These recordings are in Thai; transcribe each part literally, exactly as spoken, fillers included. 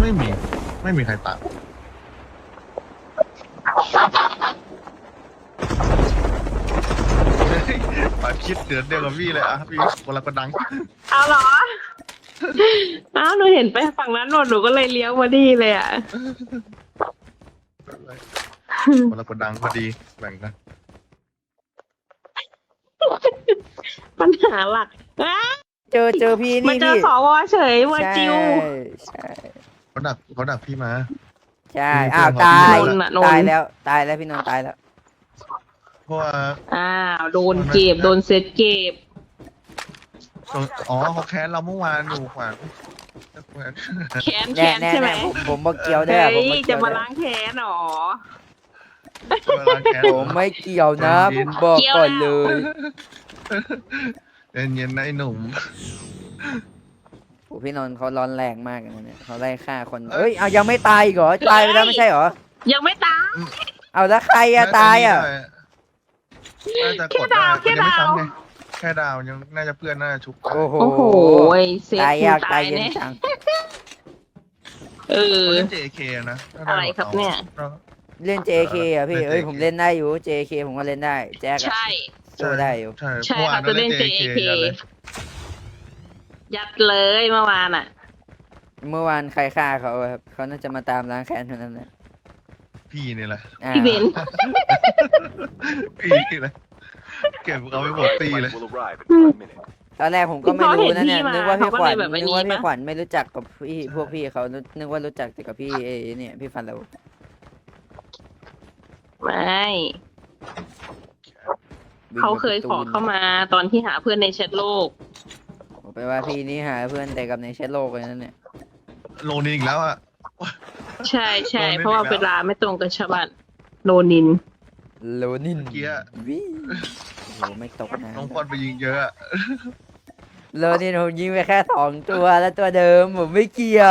ไม่มีไม่มีใครตามปาคิดเดือนเดียวกับพี่เลยอ่ะพี่คนละกระดังเอาเหรออ้าวหนูเห็นไปฝั่งนั้นหนูหนูก็เลยเลี้ยวมาดีเลยอ่ะคนละกระดังพอดีแบ่งกันปัญหาหลักเจอเจอพี่นี่มาเจอพี่สวเฉยว่าจิวใช่เขาดักเขาดักพี่มาใช่อ้าวตายตายแล้วตายแล้วพี่นนท์ตายแล้วเพราะว่าอ้าวโดนเก็บโดนเซตเก็บอ๋อเขาแค้นเราเมื่อวานอยู่ขวานแค้นแน่แค้นแน่ใช่ไหมผมผมมาเกี่ยวได้เฮ้ผมยมาจะเกี่ยวมาได้ล้างแค้นหรอผมไม่เกี่ยวนะผมบอกก่อนเลยเย็นเย็นๆนะไอ้หนุ่มโอ้พี่นนท์เขาร้อนแรงมากเลยเนี่ยเขาไล่ฆ่าคนเอ้ยเอายังไม่ตายอีกเหรอตายไปแล้วไม่ใช่เหรอยังไม่ตายเอาแล้วใครอะตายอะน่าจะกดได้ยังไม่ซ้ำไงแค่ดาวยังน่าจะเพื่อนน่าจะชุบโอ้โหโอ้โหเซฟตายกูยากตาตาย ยเย็นเนี่ยจังเออเล่น เจ เค นะอะไรครับเนี่ยเล่น เจ เค อ่ะพี่เอ้ยผมเล่นได้อยู่ เจ เค ผมก็เล่นได้แจ็คอะใช่สู้ได้อยู่ใช่ใช่เขาจะเล่น เจ เค ยัดเลยเมื่อวานอ่ะเมื่อวานใครฆ่าเขาอะครับเขาน่าจะมาตามล้างแค้นเท่านั้นแหละพี่นี่แหละอ่าพี่เบนพี่นี่แหละเก็บเอาไปหมดตีเลยตอนแรกผมก็ไม่รู้นะเนี่ยนึกว่าพี่ขวัญเขาก็เลยแบบนึกว่านี้พี่ปะขวัญไม่รู้จักกับพี่พวกพี่เขานึกว่ารู้จักแต่กับพี่เอเนี่ยพี่ฟันเราไม่วิ่งเขาเคยไปขอเข้ามาตอนที่หาเพื่อนในแชทโลกผมไปว่าพี่นี่หาเพื่อนแต่กับในแชทโลกเลยนั่นเนี่ยโลนึงอีกแล้วอ่ะใช่ใช่โดนเล่นเพราะว่าอีกแล้วเวลาไม่ตรงกับชาวบ้านโนนินโลนินเมื่อกี้อะวิโหไม่ตกนะน้องพอดไปยิงเยอะอะโลนินผมยิงไปแค่สองตัวแล้วตัวเดิมผมไม่เกี่ยว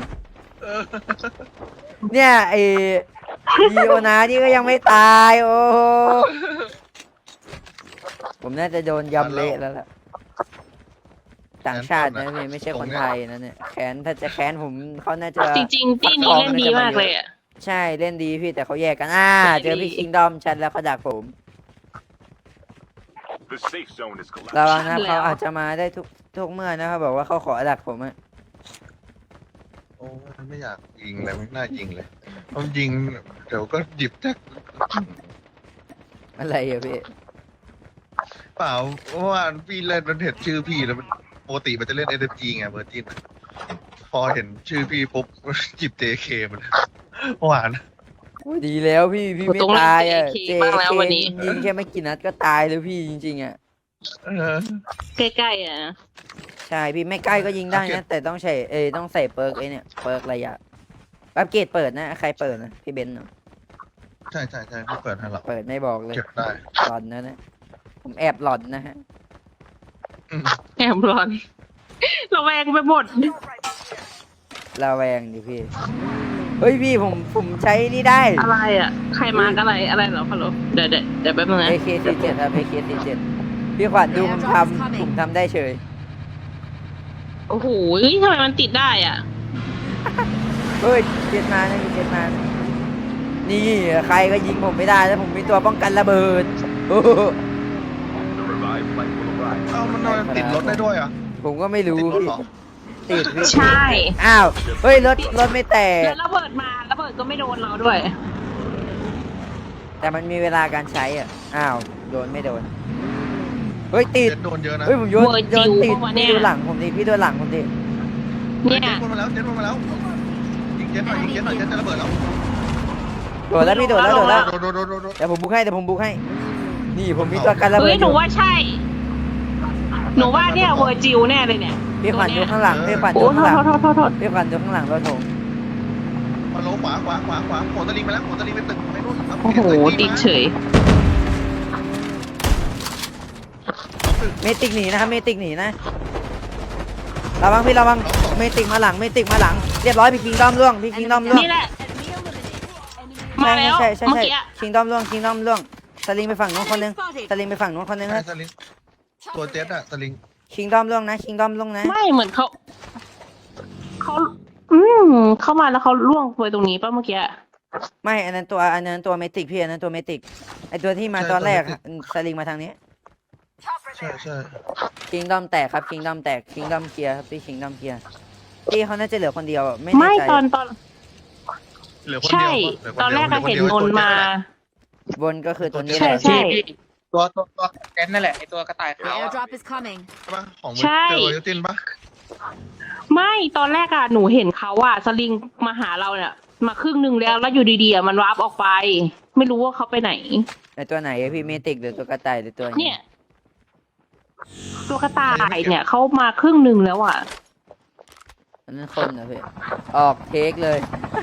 เนี่ยไอ้ดีโอนานี่ก็ยังไม่ตายโอ้โหผมน่าจะโดนยำเละแล้วล่ะต่างชาตินะพี่ไม่ใช่คนไทยนะเนี่ยแค้นถ้าจะแค้นผมเขาน่าจะจริงๆที่นี้เล่นดีมากเลยอ่ะใช่เล่นดีพี่แต่เขาแยกกันอ่าเจอพี่คิงดอมชัดแล้วเขาดักผมระวังนะเขาอาจจะมาได้ทุกทุกเมื่อนะครับบอกว่าเขาขอดักผมอะโอ้ยไม่อยากยิงเลยไม่น่ายิงเลยต้องยิงเดี๋ยวก็หยิบแท็กอะไรอะพี่เปล่าเพราะว่าพี่เล่นมันเห็นชื่อพี่แล้วมันปกติมันจะเล่น เอส เอ็ม จี ไงเวอร์จินพอเห็นชื่อพี่ปุ๊บหยิบ เจ เค มันหวานดีแล้วพี่พี่ไม่ต้องเล่นตายอะเจ เค บ้างแล้ววันนี้ยิงแค่ไม่กี่นัดก็ตายแล้วพี่จริงๆอะเออใกล้ๆอ่ะใช่พี่ไม่ใกล้ก็ยิงได้โอเคนะแต่ต้องใช้เอยต้องใส่เปิร์กไอเนี่ยเปิร์กระยะอัปเกรดเปิดนะใครเปิดนะพี่เบนซ์เนอะใช่ใช่ใช่พี่เปิดให้เราเปิดไม่บอกเลยเก็บได้หลอนนะนะผมแอบหลอนนะฮะอืมแอบร้อนระแวงไปหมดระแวงดิพี่เฮ้ยพี่ผมผมใช้นี่ได้อะไรอ่ะ ใครมาร์กอะไรอะไรเหรอฮัลโหลเดี๋ยวเดี๋ยวเดี๋ยวแป๊บนึงนะเอ เค สี่สิบเจ็ด ครับ เอ เค สี่สิบเจ็ด พี่ขวัญดูผมทำผมทำได้เฉยโอ้โหทำไมมันติดได้อ่ะเฮ้ยเจ็ดมานะมีเจ็ดมานะนี่ใครก็ยิงผมไม่ได้แล้วผมมีตัวป้องกันระเบิดโอ้โหเอ้ามันนอนติดรถได้ด้วยเหรอ่ะผมก็ไม่รู้ติดรถพี่เหรอติดพี่ใช่อ้าวเฮ้ยรถรถไม่แตกแล้วระเบิดมาระเบิดก็ไม่โดนเราด้วยแต่มันมีเวลาการใช้อ่ะอ้าวโดนไม่โดนเฮ้ยติดเจ็ดโดนเยอะนะเฮ้ยผมโยนเวอร์จิโยนวติดปะวะเนี่พี่ยดูหลังผมดิพี่ดูหลังผมดิเนี่ยเจ็ดโดนมาแล้วเจ็ดโดนมาแล้วยิงเจ็ดหน่อยยิงเจ็ดหน่อยเจ็ดจะระเบิดแล้วโดดแล้วพี่โดดแล้วโดดแล้วโดนโดนโดนโดนโดนเดี๋ยวผมบุกให้เดี๋ยวผมบุกให้ นี่ผมมีตัวกันระเบิเฮ้ดยอหนูยู่ว่าใช่ หนูว่าเนี่ยเวอร์จิวแน่เลยเนี่ยพี่ขวัญดูข้างหลังพี่ขวัญโอ้ดูโทข้างหลังษโทษโทษโทษพี่ขวัญดูข้างหลังรถผมมาลงขวาขวาขวาขวาโผล่ตะลิงไปแล้วโผล่ตะลิงไปตึกไปนู่นโอ้โหติดเฉยเมติกหนีนะครับเมติกหนีนะระวังพี่ระวังเมติกมาหลังเมติกมาหลังเรียบร้อยพี่คิงดอมล่วงพี่คิงดอมล่วงนี่แหละ มาแล้วใช่ใช่เมื่อใช่กี้อะคิงดอมล่วงคิงดอมล่วงสลิงไปฝั่งนู้นคนนึงสลิงไปฝั่งนู้นคนนึงใช่นะตะลิงตัวเจ็ดอะตะลิงคิงดอมล่วงนะคิงดอมล่วงนะไม่เหมือนเขาเขาอืมเข้ามาแล้วเขาล่วงไปตรงนี้ป่ะเมื่อกี้ไม่อันนั้นตัวอันนั้นตัวเมติกพี่อันนั้นตัวเมติกไอตัวที่มาตอนแรกสลิงมาทางนี้ใช่ใช่คิงดอมแตกครับคิงดอมแตกคิงดอมเคลียร์ครับพี่คิงดอมเคลียร์พี่เขาน่าจะเหลือคนเดียวอะไม่แน่ไม่ใจตอนตอนเหลือคนใช่เดียวปะเหลืคตอนแรกดีอะยวเห็นดียวมนต์มาบนก็คือตัวนี้ใช่แหละใช่ตัวตัวตัวแกนนั่นแหละไอตัวกระต่าย The ขาวอะ airdrop is coming. ใช่ปะของใช่เจอยูตินปะไม่ตอนแรกอะหนูเห็นเขาอะสลิงมาหาเราเนี่ยมาครึ่งหนึ่งแล้วแล้วอยู่ดีๆอะมันวาร์ปออกไป ไม่รู้ว่าเขาไปไหนไอตัวไหนอะพี่เมติกหรือตัวกระต่ายหรือตัวเนี่ย ตัวกระต่ายเนี่ยเขามาครึ่งหนึ่งแล้วอะอันนั้นคนนะพี่ออกเทคเลย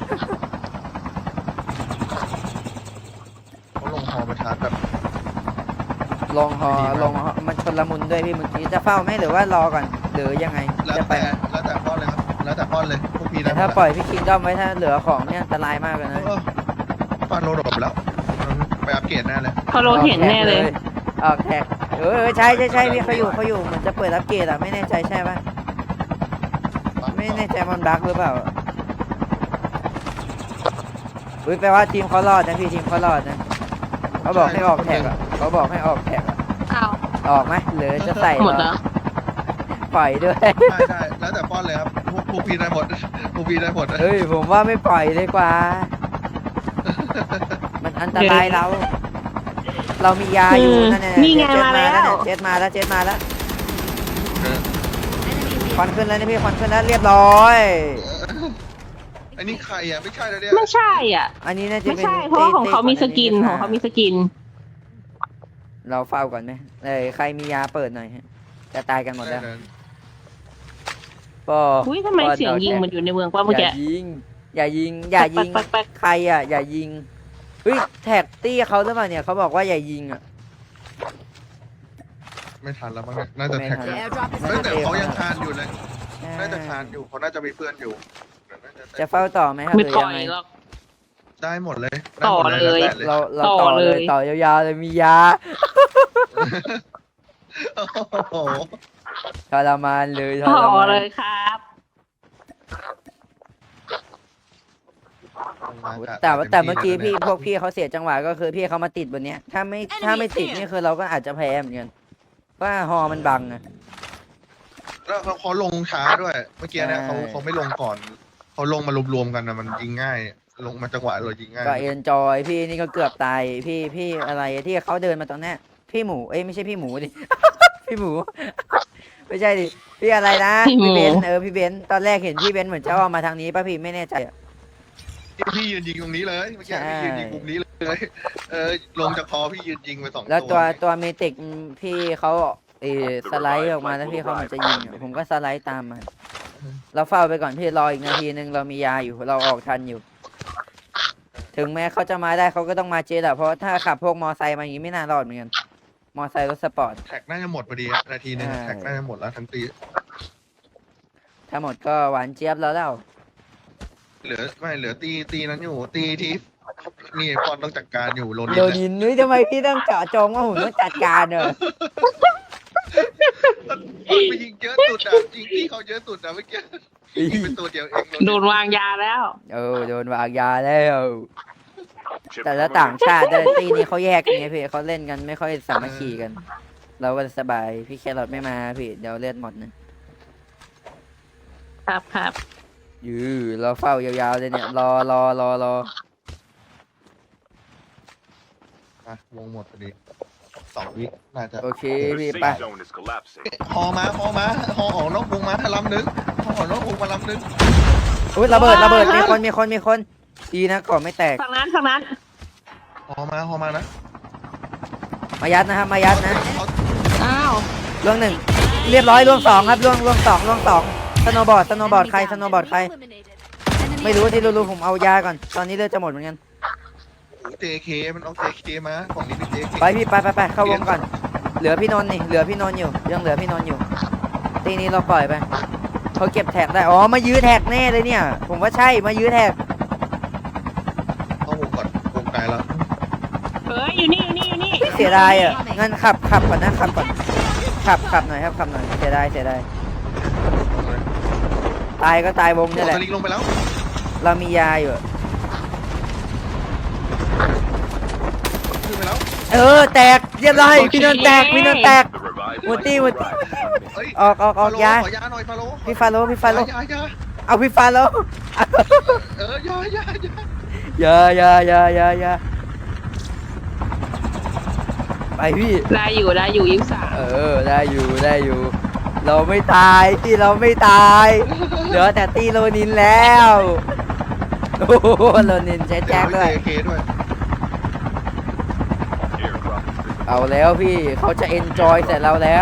เขาลงฮอมาชาร์จแบบลงฮอดีมากลงฮอมันชนละมุนด้วยพี่เมื่อกี้จะเฝ้าไหมหรือว่ารอก่อนหรือยังไงแล้วจะไปแต่แล้วแต่ป้อนเลยครับแล้วแต่ป้อนเลยพวกพี่แต่นะถ้าปล่อยพี่คิงดอมไว้ถ้าเหลือของเนี่ยอันตรายมากเลยนะเออป้อนโลดบแล้วไปอัปเกรดแน่เลยเขาโรเห็นแน่เลยออกแท็กเออเออใช่ใช่ใช่พี่เขาอยู่เขาอยู่เหมือนจะเปิดอัปเกรดอะไม่แน่ใจใช่ปะไม่แน่ใจมันบั๊กหรือเปล่าอุ้ยแปลว่าทีมเขารอดนะพี่ทีมเขารอดนะเขาบอกให้ออกแท็กอะเขาบอกให้ออกแท็กอะอ้าวออกไหมหรือจะใส่หมดแล้วปล่อยด้วยได้ได้แล้วแต่ป้อนเลยครับพวกพวกพี่ได้หมดพวกพี่ได้หมดเฮ้ยผมว่าไม่ปล่อยเลยกว่า มันอันตรายเรา เรามียาอยู่นั่นแหละนี่ไงเจ็ดมาแล้วเนี่ยเจ็ดมาแล้วเจ็ดมาแล้ว Enemy ควัน vehicle. ขึ้นแล้วนี่พี่ควันขึ้นแล้วเรียบร้อยอันนี้ใครอ่ะไม่ใช่แล้วเนี่ยไม่ใช่อ่ะอันนี้น่าจะไม่เป็นใช่ เพราะว่าของเขามีสกินตี้ของเขามีสกินเราเฝ้าก่อนไหมเอ้ยใครมียาเปิดหน่อยฮะจะตายกันหมดแล้วปออุ้ยทำไมปอเสียงยิงแท็กมันอยู่ในเมืองป่ะเมื่ออกี้ย่ายิง อย่ายิง อย่ายิงแป๊กแป๊กแป๊กใครอ่ะ อย่ายิงเฮ้ยแท็กตี้เขาหรือเปล่าเนี่ยเขาบอกว่าอย่ายิงอ่ะไม่ทันแล้วมั้งเนี่ยน่าจะแท็ก The airdrop is เฮ้ยแต่ coming. เขายังคานอยู่เลยน่าจะคานอยู่เขาน่าจะมีเพื่อนอยู่น่าจะจะเฝ้าต่อไหมครับไม่หรือปล่ยัอง ยไงหรอกได้หมดเลยต่อเลยได้หมดเราเราต่อต่อเลยเลยต่อยาวๆเลยมียาโอ้โหทรมานเลยทต่รอมานเลยครับแต่ว่าแต่เมื่อกี้พี่พวกพี่เขาเสียจังหวะก็คือพี่เขามาติดบนเนี้ย ถ้าไม่ถ้าไม่ติดนี่คือเราก็อาจจะแพ้เหมือนกันว่าฮอมันบังอะแล้วเขาเขาลงช้าด้วย เมื่อกี้เนี่ยใช่เขาเขาไม่ลงก่อนเขาลงมารวมๆกันนะมันยิงง่าย ลงมาจังหวะเรายิงง่ายก็เอนจอยพี่นี่ก็เกือบตายพี่พี่อะไรที่เขาเดินมาตรงเนี้ยพี่หมูเอ้ยไม่ใช่พี่หมูดิ พี่หมู ไม่ใช่ดิพี่อะไรนะพี่หมูพี่เบนซ์เออพี่เบนซ์ตอนแรกเห็นพี่เบนซ์เหมือนจะออกมาทางนี้ป่ะพี่ไม่แน่ใจอะพี่พี่ยืนยิงตรงนี้เลยเมื่อกี้ใช่พี่ยืนยิงมุมนี้เลย เออลงจากคอพี่ยืนยิงไปสองแล้วตัตัววตัวเมติกพี่เขาเออสไลด์ออกมาแล้วพี่เขาเหมันจะยิงอะผมก็สไลด์ตามมา เราเฝ้าไปก่อนพี่รออีกนาทีนึงเรามียาอยู่เราออกทันอยู่ ถึงแม้เขาจะมาได้เขาก็ต้องมาเจ็ตอะเพราะถ้าขับพวกมอไซค์มาอย่างนี้ไม่น่ารอดเหมือนกันมอไซค์รถสปอร์ตแท็กน่าจะหมดพอดีอะนาทีนึงใช่แท็กน่าจะหมดแล้วทั้งตีถ้าหมดก็หวานเจี๊ยบแล้วแล้วเหลือไม่เหลือตีตีนั้นอยู่ ตีที่นี่พอนต้องจัดการอยู่โรนินโดแหละนินนุ้ยทำไมพี่ต้องเจาะจงว่าผมต้องจัดการเนอะมันไปยิงเยอะสุดอ่ะยิงที่เขาเยอะสุดอ่ะเมื่อกี้ยิงเป็นตัวเดียวเองโดนวางยาแล้วเออโดนวางยาแล้วแต่ละต่างชาติด้วยตีนี้เขาแยกกันไงพี่เขาเล่นกันไม่ค่อยสามัคคีกัน เราก็สบายพี่แครอทไม่มาพี่เดี๋ยวเลือดหมดนะครับครับยื้อเราเฝ้ายาวๆเลยเนี่ยรอรอรอรออ่ะวงหมดพอดีสองวิน่าจะโอเค The พี่ safe ไป zone is collapsing. ฮอมาฮอมาฮอออกนอกวงมาลำนึงฮอออกนอกวงมาลำนึงอุ้ยระเบิดระเบิดมีคนมีคนมีคนดีนะก่อนไม่แตกฝั่งนั้นฝั่งนั้นฮอมาฮอมานะมายัดนะครับมายัดนะเขาอ้าวล่วงหนึ่งเรียบร้อยล่วงสองครับล่วงล่วงสองล่วงสองสโนว์บอร์ดสโนว์บอร์ด Enemy ใคร down. สโนว์บอร์ดใคร Eliminated. Enemy ไม่รู้ที่ eliminated. รู้ๆผมเอายาก่อนตอนนี้เลือดจะหมดเหมือนกันเจเคมันเอาเจเคมาของนี้เป็นเจเคไปพี่ไปไปไปเข้าวงก่อน เหลือพี่นนท์นี่เหลือพี่นนท์อยู่ยังเหลือพี่นนท์อยู่ตีนี้เราปล่อยไปเขาเก็บแท็กได้อ๋อมายื้อแท็กแน่เลยเนี่ย ผมว่าใช่มายื้อแท็กเข้าวงก่อนวงไกลแล้วเฮ้ยอยู่นี่อยู่นี่อยู่นี่เสียดายอ่ะงั้นขับขับก่อนนะขับก่อนขับขับหน่อยครับขับหน่อยเสียดายเสียดายตายก็ตายวงนี่แหละสลิงลงไปแล้วเรามียาอยู่ขึ้นไปแล้วเออแตกเรียบร้อยพี่นนท์แตกพี่นนท์แตก หมดตี้หมดตี้เฮ้ยออกออกออกฟาโลยาขอยาหน่อยฟาโลพี่ฟาโลพี่ฟาโลยายายาเอาพี่ฟาโลเออยายายาอยาอยาอยาอยาอยาไปพี่ได้อยู่ได้อยู่ยี่สิบสามเออได้อยู่ได้อยู่ เราไม่ตายที่เราไม่ตายเหลือแต่ตีโรนินแล้วโอ้โหโรนินใช้แจ็คด้วยเอเคด้วยเอาแล้วพี่เขาจะเอนจอยเสร็จเราแล้ว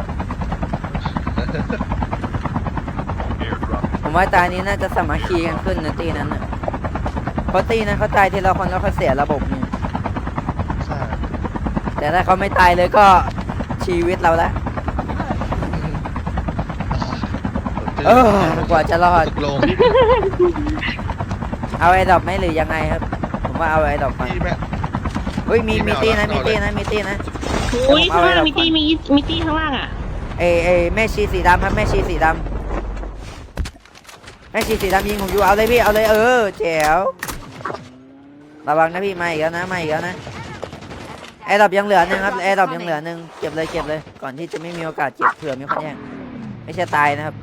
ผมว่าตานี้น่าจะสามัคคีกันขึ้นนะตีนั้นน่ะเพราะตีนั้นเขาตายทีละคนแล้วเขาเสียระบบนี่ใช่แต่ถ้าเขาไม่ตายเลยก็ชีวิตเราแล้วเออกว่าจะรอดตกลงเอาไอ้ดอกไหมหรือยังไงครับ ผมว่าเอาไอ้ดอกมาพี่แม่เฮ้ยมีไม่มีเอาตีนะแล้วมีตีเอาเลยนะมีตีนะอุ้ยเอาข้างไว้ล่างเรามีตี้มีมีตี้ข้างล่างอ่ะเอเอแม่ชีสีดำครับแม่ชีสีดำแม่ชีสีดำยิงผมอยู่เอาเลยพี่เอาเลยเออแจ๋วระวังนะพี่มาอีกแล้วนะมาอีกแล้วนะไอ้ดอกยังเหลือหนึ่งครับไอ้ดอกยังเหลือหนึ่งเก็บเลยเก็บเลยก่อนที่จะไม่มีโอกาสเก็บเผื่อมีคนแย่งไม่ใช่ตายนะครับ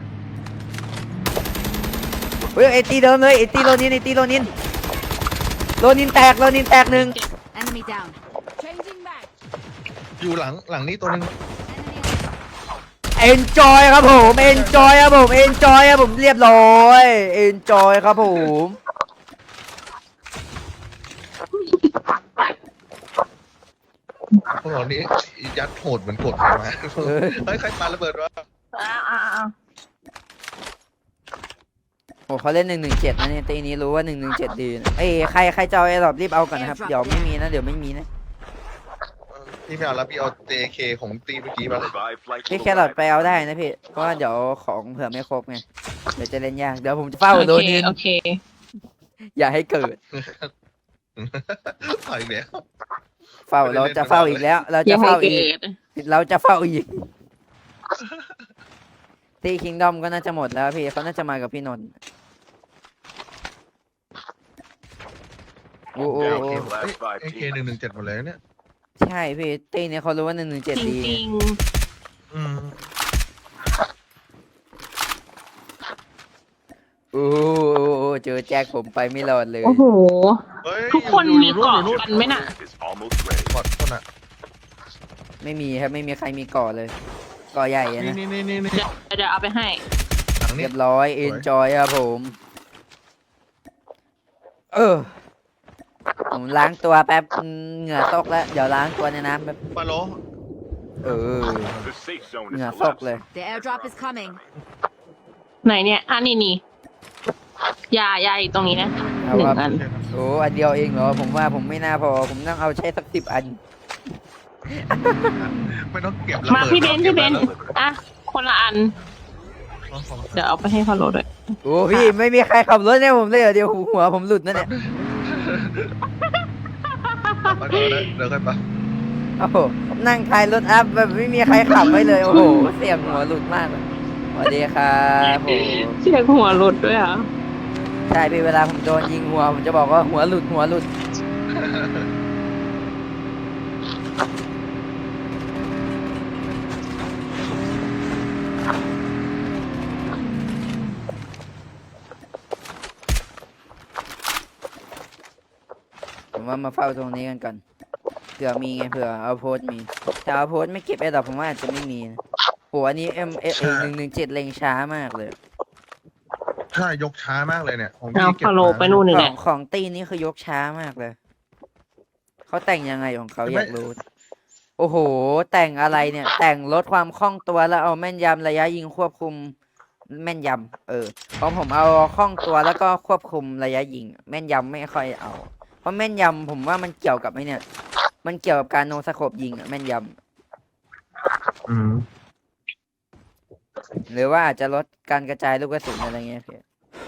เฮ้ยไอตีเดิมเลยไอตีโรนินไอตีโรนินโรนินแตกโรนินแตกหนึ่ง Enemy down. Changing back. อยู่หลังหลังนี้ตัวนึง Enemy. เอนจอยครับผมเอนจอยครับผมเอนจอยครับผมเรียบร้อยเอนจอยครับผมพวกเรานี้ยัดโหดเหมือนกดมาเฮ้ยใครปาระเบิดวะอ้าวอ้าวอ้าวโอ้เขาเล่นหนึ่งหนึ่งเจ็ดนะเนี่ยตีนี้รู้ว่าหนึ่งหนึ่งเจ็ดดีนะเอ้ยใครใครจะเอาไอ้ดอกรีบเอาก่อนนะครับเดี๋ยวไม่มีนะเดี๋ยวไม่มีนะพี่ไม่เอาแล้วพี่เอา เจ เค ของตีเมื่อกี้มาพี่แครอทไปเอาได้นะพี่เพราะว่าเดี๋ยวของเผื่อไม่ครบไงเดี๋ยวจะเล่นยากเดี๋ยวผมจะเฝ้าโอโดนเคนินโอเคอย่าให้เกิดถอยแล้วเฝ้าเราจะเฝ้าอีกแล้ว เราอจะย่าให้เฝ้าเกิอีกดเราจะเฝ้าอีกตีคิงดอมก็น่าจะหมดแล้วพี่เขาน่าจะมากับพี่นนท์โอ้โหเอเคหนึ่งหนึ่งเจ็ดหมดเลยเนี่ยใช่พี่ตีเนี่ยเขารู้ว่าหนึ่งหนึ่งเจ็ดจดีริงอืมโอ้โหเจอแจ็คผมไปไม่รอดเลยๆ โอ้โหเฮ้ยทุกคนอยู่มีอยู่เกาะอยู่กันไหมน่ะกอดคนอ่ะไม่มีครับไม่มีใครมีก่อเลยก่อใหญ่อะนี่นะนี่นี่นี่นี่เดี๋ยวเดี๋ยวเอาไปให้หลังนี้เรียบร้อยเอนจอยครับผม เออ ผมล้างตัวแป๊บอืมเหงื่อตกแล้วเดี๋ยวล้างตัวในน้ำแป๊บปาโลเออ เหงื่อตกเลย The airdrop is coming. ไหนเนี่ยอ่ะนี่นี่ยายาอยู่ตรงนี้นะเอาหนึ่คงรับอันโอ้อันเดียวเองเหรอผมว่าผมไม่น่าพอผมต้องเอาใช้สักสิบอันไม่ต้องเก็บระเบิดมาพี่เบนซ์พี่เบนซ์ก็บระบิดอ่ะคนละอัน เดี๋ยวเอาไปให้พอลโลด้วยโอ้พี่ไม่มีใครขับรถเนี่ยผมเลยเหรอเดี๋ยวหัวผมหลุดนะเนี่ยมาเดี๋ยวนะเดี๋ยวค่อยไปโอ้โหนั่งท้ายรถอัพแบบไม่มีใครขับไว้เลยโอ้โหเสียงหัวหลุดมากเลยสวัสดีครับผมเสียงหัวรถด้วยอ่ะใช่พี่เวลาผมโดนยิงหัวผมจะบอกว่าหัวหลุดหัวหลุด ผมว่ามาเฝ้าตรงนี้กันก่อนเผื่อมีไงเผื่อเอาโพสต์มีถ้าเอาโพสต์ไม่เก็บไอ้ดอกผมว่าอาจจะไม่มีนะโหอันนี้เอ็มเอหนึ่งหนึ่งเจ็ดเล็งช้ามากเลยใช่ยกช้ามากเลยเนี่ยของเอาพี่เก็บพอลโลมาไปนู่นขนี่อแหงละของตีนี้คือยกช้ามากเลยเขาแต่งยังไงของเขาอยากรู้ โอ้โห แต่งอะไรเนี่ย แต่งลดความคล่องตัวแล้วเอาแม่นยำระยะยิงควบคุมแม่นยำเออเพราะผมเอาคล่องตัวแล้วก็ควบคุมระยะยิง แม่นยำไม่ค่อยเอา เพราะแม่นยำผมว่ามันเกี่ยวกับไอ้เนี่ย มันเกี่ยวกับการโนสโคปยิงอะแม่นยอืมำหรือว่าอาจจะลดการกระจายลูกกระสุนอะไรเงี้ยพี่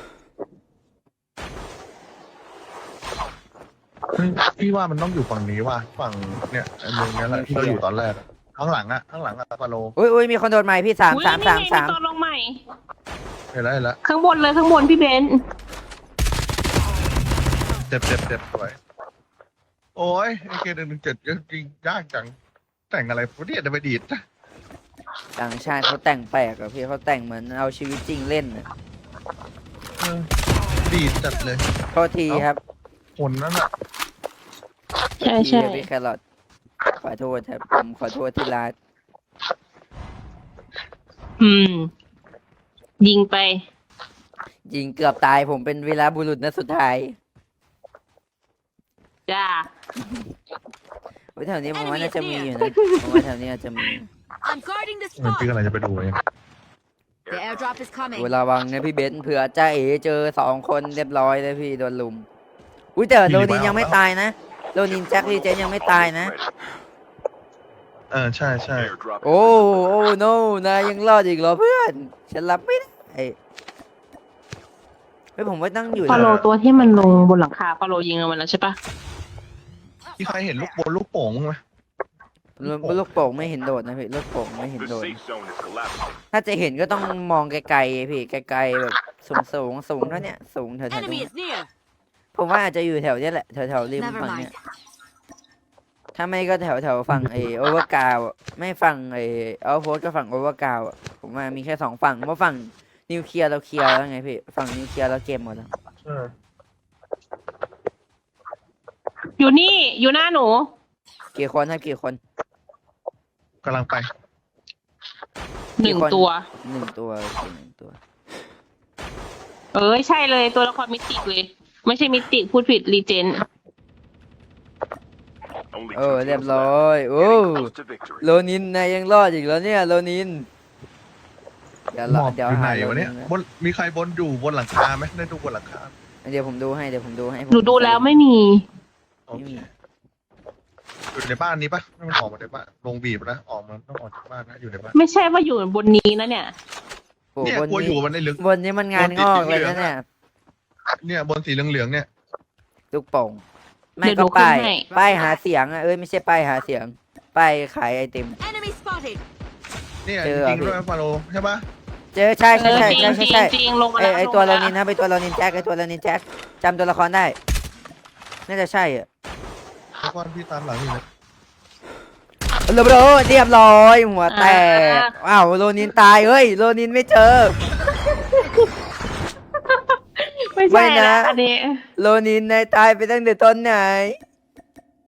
เฮ้ยพี่ว่ามันต้องอยู่ฝั่งนี้ว่ะฝั่งเนี่ยไอ้เมืองเนี้ยแหละที่เราอยู่ตอนแรกอะข้างหลังอะข้างหลังอะปาโลอุ้ยอุ้ยมีคนโดนไม้พี่สามอุ๊ยสามนี่สามไงสามตัวลงใหม่เห็นแล้วเห็นแล้วข้างบนเลยข้างบนพี่เบนซ์เจ็บเจ็บเจ็บสวยโอ้ยไอเคหนึ่งหนึ่งเจ็ดก็จริงยากจังแต่งอะไรพวกนี้จะไปดีดนะต่างชาติเขาแต่งแปลกอะพี่เขาแต่งเหมือนเอาชีวิตจริงเล่นอะเออดีดจัดเลยโทษทีครับคนนั้นอ่ะใช่พี่ใช่พี่แครอทขอโทษครับผมขอโทษที่รักอืม ยิงไปยิงเกือบตายผมเป็นวีรบุรุษนัดสุดท้ายจ้าเฮ้ยแถวนี้ผมว่าน่าจะมีอยู่นะผมว่าแถวนี้อาจจะมี I'm guarding the มัน spot. พี่กำลังจะไปดูเอง The airdrop is โอ้ coming. ระวังนะพี่เบนซ์เผื่อจ้าเอ๋เจอสองคนเรียบร้อยเลยพี่โดนลุมอุ้ยแต่โรนินยังไม่ตายนะโรนินแจ็คลีเจนยังไม่ตายนะเออใช่ใช่ Airdrop โอ้โอ้โนนายยังรอดอีกเหรอเพื่อน ฉันรับไม่ได้เฮ้ยผมว่าตั้งอยู่ฟาโลนะตัวที่มันลงบนหลังคาฟาโลยิงเอามันแล้วใช่ปะที่ใครเห็นลูกบอลลูกโป่งมั้ยไหมลูกลูกโป่งไม่เห็นโดดนะพี่ลูกโป่งไม่เห็น The โดด safe zone is collapsing. ถ้าจะเห็นก็ต้องมองไกลๆพี่ไกลๆแบบสูงสูงสูงเท่าเนี้ยสูงแถวๆตรง Enemy เนี้ย is near. ผมว่าอาจจะอยู่แถวเนี้ยแหละแถวแถวๆริม Never ฝั่ง mind. เนี้ยถ้าไม่ก็แถวแถวฝั่งไอโอเวอร์กาวไม่ฝั่งไอเอาโพสก็ฝั่งโอเวอร์กาวผมว่ามีแค่สองฝั่งเพราะฝั่งนิวเคลียร์เราเคลียร์แล้วไงพี่ฝั่งนิวเคลียร์เราเกมหมดแล้วเอออยู่นี่อยู่หน้าหนูกี่คนครับกี่คนกำลังไปหนึ่งตัวหนึ่งตัวโอเคหนึ่งตัวเออใช่เลยตัวละครมิติกเลย ไม่ใช่มิติกพูดผิดรีเจน Only โอ้ two เรียบ teams ร้อย left. โอ้ Getting close to victory. โลนินนายยังรอดอีกแล้วเนี่ยโลนินเดี๋ยวหมรออบอเดี๋ยวยู่ไหนหาโลวะนิเนี่ยนนะบนมีใครบนอยู่บนหลังคาไหมได้ดูบนหลังคาเดี๋ยวผมดูให้เดี๋ยวผมดูให้ผมหนูดูแล้วไม่มีโอเคอยู่ในบ้านนี้ปะไม่มันออกมาในบ้านลงบีบนะออกมาต้องออกจากบ้านนะอยู่ในบ้านไม่ใช่ว่าอยู่บนนี้นะเนี่ยโอ้เนี่ยบนกลัวอยู่นี้มันในลึกบนนี้มันงานงอกเลยนะเนี่ยเนี่ยบนสีเหลืองๆเนี่ยลูกโป่งไม่เดี๋ยวก็ดูขึ้นป้ายให้ป้ายหาเสียงอ่ะเอ้ยไม่ใช่ป้ายหาเสียงป้ายขายไอติม Enemy spotted. เนี่ยเจจอริงๆพี่ด้วยฟาโลใช่ปะเจอใช่เอใช่อใช่จริงใช่จริงใช่จริงลงมาไอแล้วไอตัวลโรงมานินนะไอตัวโรนินแจ็คไอตัวโรนินแจ็คจำตัวละครได้น่าจะใช่อ่ะทุกคนพี่ตามหลังอยู่เลยเรียบร้อยเรียบร้อยหัวแตกอ้าวโรนินตายเฮ้ยโรนินไม่เจอไม่ไม่ใช่นะนะอันนี้โรนินนายตายไปตั้งแต่ตอนไหน